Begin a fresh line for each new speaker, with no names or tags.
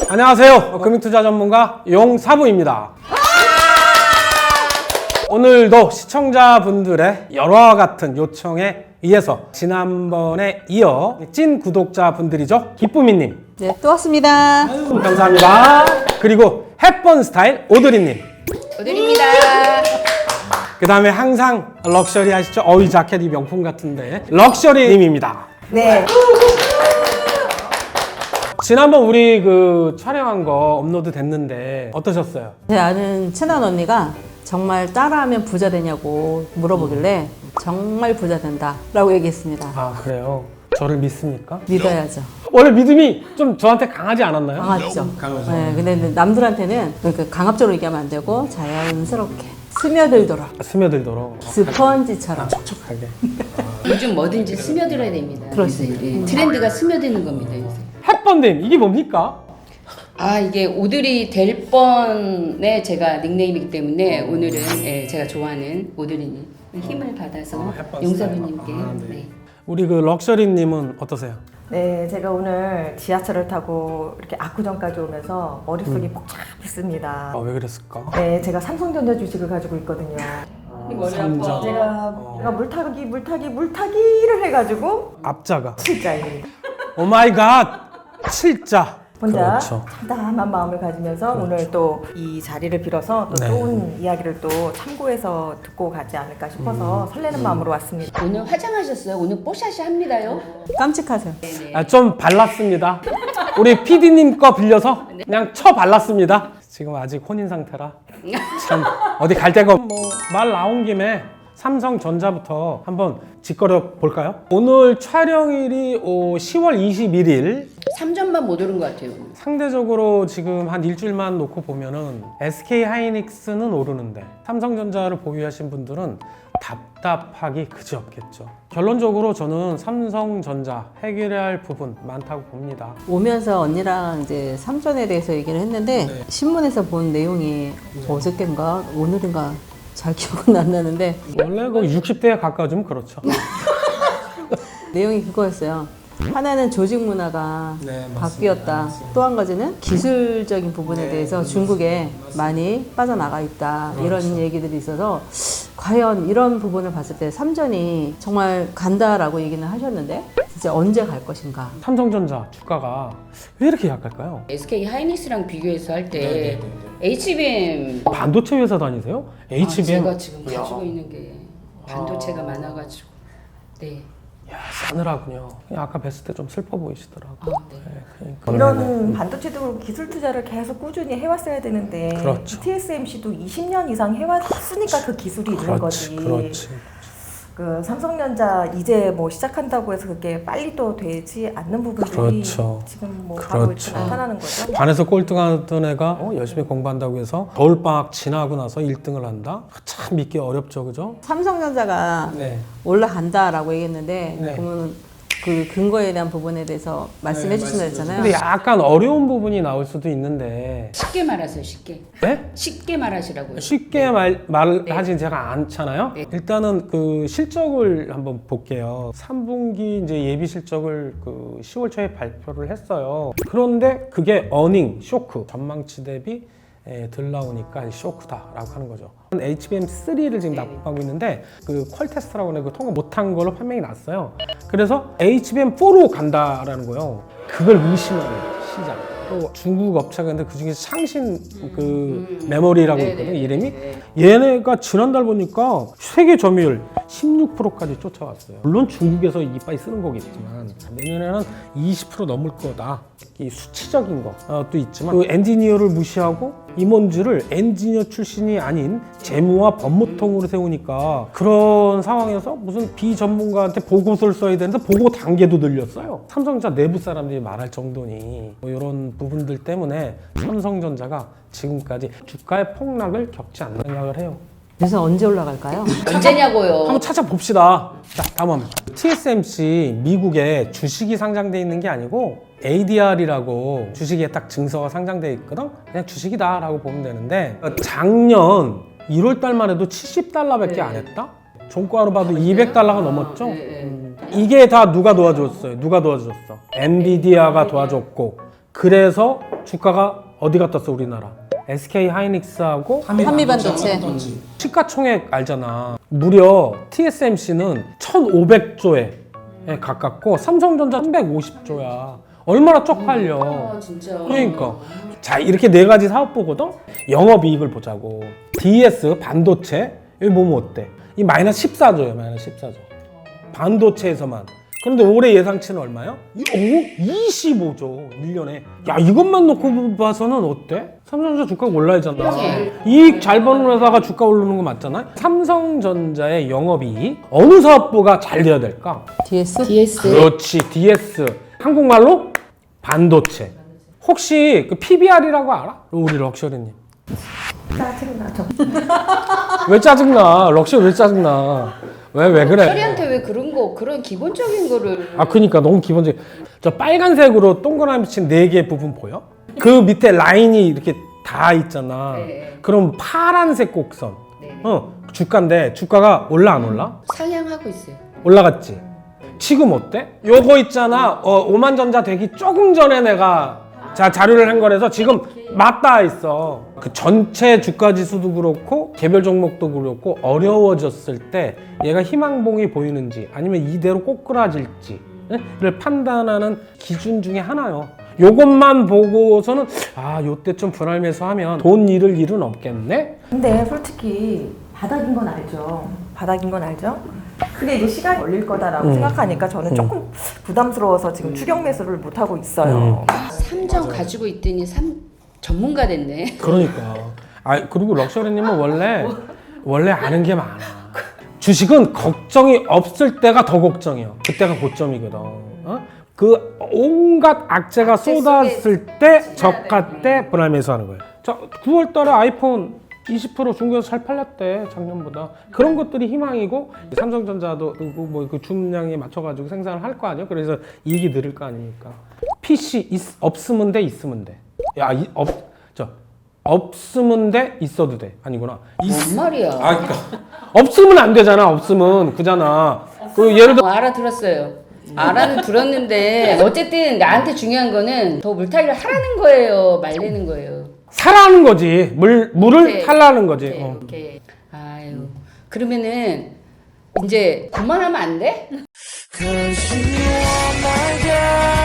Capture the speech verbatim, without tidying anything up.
안녕하세요. 금융투자 전문가 용사부입니다. 오늘도 시청자분들의 여러와 같은 요청에 의해서 지난번에 이어 찐 구독자분들이죠. 기쁨이님.
네, 또 왔습니다.
아유, 감사합니다. 그리고 햇번 스타일 오드리님.
오늘입니다.
그 다음에 항상 럭셔리 하시죠? 어이 자켓 이 명품 같은데 럭셔리님입니다.
네.
지난번 우리 그 촬영한 거 업로드 됐는데 어떠셨어요?
제 아는 친한 언니가 정말 따라하면 부자 되냐고 물어보길래 정말 부자 된다 라고 얘기했습니다.
아 그래요? 저를 믿습니까?
믿어야죠.
원래 믿음이 좀 저한테 강하지 않았나요?
강하죠.
강하죠.
네, 근데 남들한테는 그러니까 강압적으로 얘기하면 안 되고 자연스럽게 스며들도록
스며들도록
스펀지처럼
촉촉하게.
요즘 뭐든지 스며들어야 됩니다.
그렇습니다.
그래서, 예, 트렌드가 스며드는 겁니다. 요새.
햇번님 이게 뭡니까?
아 이게 오드리 될 뻔의 제가 닉네임이기 때문에 오늘은 예, 제가 좋아하는 오드리님 힘을 받아서
아, 햇번
용사부님께
스타일. 아, 네.
네.
우리 그 럭셔리님은 어떠세요?
네, 제가 오늘 지하철을 타고 이렇게 압구정까지 오면서 머릿속이 복잡했습니다.
아, 왜 그랬을까?
네, 제가 삼성전자 주식을 가지고 있거든요.
삼전.
제가,
어.
제가 물타기, 물타기, 물타기를 해가지고
앞자가.
칠자입니다.
오 마이 갓! 칠자.
혼자
그렇죠.
참담한 마음을 가지면서
그렇죠.
오늘 또 이 자리를 빌어서 또
네.
좋은 이야기를 또 참고해서 듣고 가지 않을까 싶어서 설레는 마음으로 왔습니다.
오늘 화장하셨어요? 오늘 뽀샤시 합니다요?
깜찍하세요.
네네.
아, 좀 발랐습니다. 우리 피디님 거 빌려서 그냥 쳐 발랐습니다. 지금 아직 혼인 상태라 참 어디 갈 데가 없... 뭐말 나온 김에 삼성전자부터 한번 짓거려 볼까요? 오늘 촬영일이 어, 시월 이십일일.
삼 점만 못 오른 것 같아요. 오늘.
상대적으로 지금 한 일주일만 놓고 보면은 에스케이하이닉스는 오르는데 삼성전자를 보유하신 분들은 답답하기 그지없겠죠. 결론적으로 저는 삼성전자 해결해야 할 부분 많다고 봅니다.
오면서 언니랑 이제 삼전에 대해서 얘기를 했는데
네.
신문에서 본 내용이 어저께인가 오늘인가 잘 기억은 안 나는데
원래 그 육십 대에 가까워지면 그렇죠.
내용이 그거였어요. 하나는 조직 문화가
네, 맞습니다.
바뀌었다. 또 한 가지는 기술적인 부분에 대해서 중국에 많이 빠져나가 있다. 이런 얘기들이 있어서 과연 이런 부분을 봤을 때 삼전이 정말 간다라고 얘기는 하셨는데 진짜 언제 갈 것인가.
삼성전자 주가가 왜 이렇게 약할까요?
에스케이 하이닉스랑 비교해서 할 때 에이치비엠
반도체 회사 다니세요? 에이치비엠.
아, 제가 지금 가지고 있는 게 반도체가 많아가지고 네.
야, 싸늘하군요. 아까 뵀을 때 좀 슬퍼 보이시더라고.
아, 네.
네, 그러니까.
이런 반도체도 그렇고 기술 투자를 계속 꾸준히 해왔어야 되는데
그렇죠.
티에스엠씨도 이십 년 이상 해왔으니까 그 기술이 있는
그렇지,
거지.
그렇지.
그 삼성전자 이제 뭐 시작한다고 해서 그게 빨리 또 되지 않는 부분들이
그렇죠.
지금 뭐 바로 이렇게
그렇죠.
나타나는 거죠.
반에서 꼴등하던 애가 어, 열심히 공부한다고 해서 겨울방학 지나고 나서 일 등을 한다? 참 믿기 어렵죠, 그죠?
삼성전자가
네.
올라간다라고 얘기했는데
네.
그러면 그 근거에 대한 부부분에 대해서 말씀해 주신다 했잖아요.
근데 약간 어려운 부분이 나올 수도 있는데
쉽게 말하세요. 쉽게.
네?
쉽게 말하시라고요.
쉽게 말, 말을
네.
하진 제가 않잖아요.
네.
일단은 그 실적을 한번 볼게요. 삼 분기 이제 예비 실적을 그 시월 초에 발표를 했어요. 그런데 그게 어닝 쇼크 전망치 대비 에, 덜 나오니까 쇼크다라고 하는 거죠. 에이치비엠 쓰리를 지금 납품하고 있는데 그 퀄 테스트라고 하는 거 통과 못한 걸로 판명이 났어요. 그래서 에이치비엠 포로 간다라는 거예요. 그걸 의심하는 시장. 또 중국 업체가 있는데 그 중에 상신 그 메모리라고
네네.
있거든요. 이름이.
네.
얘네가 지난달 보니까 세계 점유율 십육 퍼센트까지 쫓아왔어요. 물론 중국에서 이빨이 쓰는 거겠지만 내년에는 이십 퍼센트 넘을 거다. 이 수치적인 것도 있지만 그 엔지니어를 무시하고 임원주를 엔지니어 출신이 아닌 재무와 법무통으로 세우니까 그런 상황에서 무슨 비전문가한테 보고서를 써야 되는데 보고 단계도 늘렸어요. 삼성전자 내부 사람들이 말할 정도니 뭐 이런 부분들 때문에 삼성전자가 지금까지 주가의 폭락을 겪지 않는 생각을 해요.
그래서 언제 올라갈까요?
언제냐고요.
한번 찾아봅시다. 자, 다음 티에스엠씨 미국에 주식이 상장돼 있는 게 아니고 에이디알이라고 주식에 딱 증서가 상장돼 있거든. 그냥 주식이다라고 보면 되는데 작년 일월 달만 해도 칠십 달러밖에
네.
안 했다. 종가로 봐도 이백 달러가 넘었죠.
네, 네.
음. 이게 다 누가 도와줬어요? 누가 도와줬어? 엔비디아가 도와줬고 그래서 주가가 어디 갔다 왔어 우리나라? 에스케이 하이닉스하고
한미반도체.
시가총액 알잖아. 무려 티에스엠씨는 천오백조에 가깝고 삼성전자 삼백오십조야. 얼마나 쪽팔려.
아, 진짜.
그러니까 자 이렇게 네 가지 사업 보거든. 영업이익을 보자고. 디에스 반도체 여기 보면 어때? 이 마이너스 십사조예요. 마이너스 십사조. 반도체에서만. 그런데 올해 예상치는 얼마요? 오, 이십오조 일 년에. 야 이것만 놓고 봐서는 어때? 삼성전자 주가가 올라야잖아. 이익 잘 버는 회사가 주가 오르는 거 맞잖아. 삼성전자의 영업이익 어느 사업부가 잘 돼야 될까?
디에스?
디에스.
그렇지 디에스. 한국말로 반도체. 혹시 그 피비알이라고 알아? 우리 럭셔리님.
짜증나죠.
왜 짜증나? 럭셔리 왜 짜증나? 왜 왜 그래?
셔리한테 왜 그런 거 그런 기본적인 거를
아 그니까 너무 기본적인. 저 빨간색으로 동그라미 친 네 개 부분 보여? 그 밑에 라인이 이렇게 다 있잖아.
네.
그럼 파란색 곡선.
네.
어 주가인데 주가가 올라 안 올라?
상향하고 있어요.
올라갔지. 지금 어때? 요거 있잖아. 어, 오만전자 되기 조금 전에 내가 자 자료를 한 거라서 지금 맞닿아 있어. 그 전체 주가 지수도 그렇고 개별 종목도 그렇고 어려워졌을 때 얘가 희망봉이 보이는지 아니면 이대로 꼬꾸라질지를 판단하는 기준 중에 하나요. 요것만 보고서는 아 요때 좀 분할 매수하면 돈 잃을 일은 없겠네.
근데 솔직히 바닥인 건 알죠. 바닥인 건 알죠. 근데 이제 시간이 걸릴 거다라고
음.
생각하니까 저는
음.
조금 부담스러워서 지금 추격 매수를 못 하고 있어요.
삼정 가지고 있더니 삼 전문가 됐네.
그러니까. 아 그리고 럭셔리님은 원래 원래 아는 게 많아. 주식은 걱정이 없을 때가 더 걱정이야. 그때가 고점이거든. 어? 그 온갖 악재가 쏟았을 때 저가 때 분할 매수하는 거예요. 자 구월달에 아이폰 이십 퍼센트 중국에서 잘 팔렸대 작년보다. 그런 것들이 희망이고 삼성전자도 뭐그 주문량에 맞춰가지고 생산을 할 거 아니야. 그래서 이익이 늘을 거 아닙니까. 피씨 있, 없으면 돼 있으면 돼. 야 이, 없, 저 없으면 돼 있어도 돼 아니구나.
뭔 말이야?
아 그러니까 없으면 안 되잖아. 없으면 그잖아. 그 예를 들어
어, 알아들었어요. 알아는 들었는데 어쨌든 나한테 중요한 거는 더 물타기를 하라는 거예요, 말리는 거예요.
사라는 거지. 물 물을
네.
탈라는 거지.
이렇게,
어.
이렇게. 아유 그러면은 이제 그만하면 안 돼?
Cause you are my girl.